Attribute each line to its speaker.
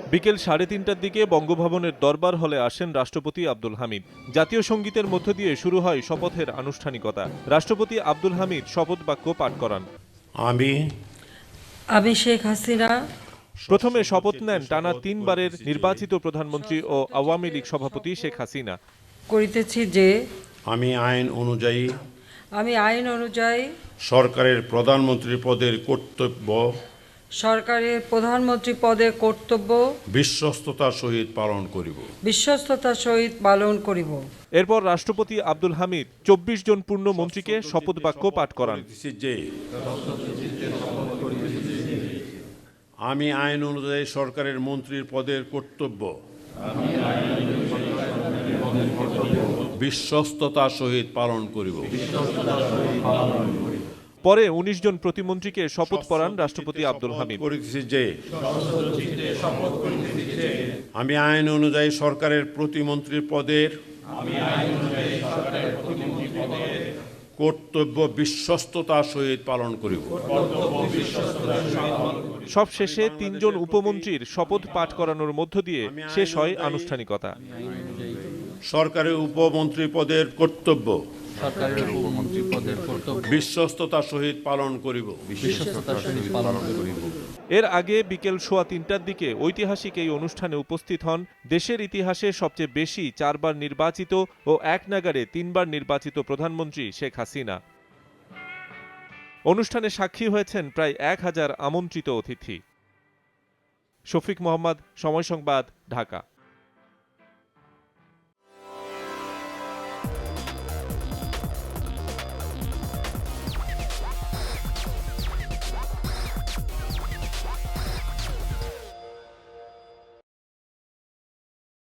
Speaker 1: বিকেল 3:30টার দিকে বঙ্গভবনের দরবার হলে আসেন রাষ্ট্রপতি আব্দুল হামিদ। জাতীয় সঙ্গীতের মধ্য দিয়ে শুরু হয় শপথের আনুষ্ঠানিকতা। রাষ্ট্রপতি আব্দুল হামিদ শপথ বাক্য পাঠ করান।
Speaker 2: আমি শেখ হাসিনা
Speaker 1: প্রথমে শপথ নেন টানা 3 বারের নির্বাচিত প্রধানমন্ত্রী ও আওয়ামী লীগ সভাপতি শেখ হাসিনা।
Speaker 2: করিতেছি যে
Speaker 3: আমি
Speaker 2: আইন অনুযায়ী
Speaker 3: সরকারের প্রধানমন্ত্রী পদের কর্তব্য বিশ্বস্ততার সহিত পালন করিব।
Speaker 1: এরপর রাষ্ট্রপতি আব্দুল হামিদ 24 জন পূর্ণ মন্ত্রীকে শপথ বাক্য পাঠ করান।
Speaker 3: আমি আইন অনুযায়ী সরকারের মন্ত্রীর পদের কর্তব্য বিশ্বস্ততার সহিত পালন করিব।
Speaker 1: পরে 19 জন প্রতিমন্ত্রীকে শপথ পড়ান রাষ্ট্রপতি আব্দুল হামিদ।
Speaker 3: আমি আইন অনুযায়ী সরকারের প্রতিমন্ত্রীর পদের কর্তব্য বিশ্বস্ততার সহিত পালন করিব।
Speaker 1: সবশেষে 3 জন উপমন্ত্রীর শপথ পাঠ করানোর মধ্য দিয়ে শেষ হয় আনুষ্ঠানিকতা।
Speaker 3: সরকারের উপমন্ত্রী পদের কর্তব্য বিশ্বস্ততার সহিত পালন করিব।
Speaker 1: এর আগে বিকেল 3:15টার দিকে ঐতিহাসিক এই অনুষ্ঠানে উপস্থিত হন দেশের ইতিহাসে সবচেয়ে বেশি 4 বার নির্বাচিত ও এক নাগাড়ে 3 বার নির্বাচিত প্রধানমন্ত্রী শেখ হাসিনা। অনুষ্ঠানে সাক্ষী হয়েছেন প্রায় 1000 আমন্ত্রিত অতিথি। শফিক মোহাম্মদ, সময় সংবাদ, ঢাকা।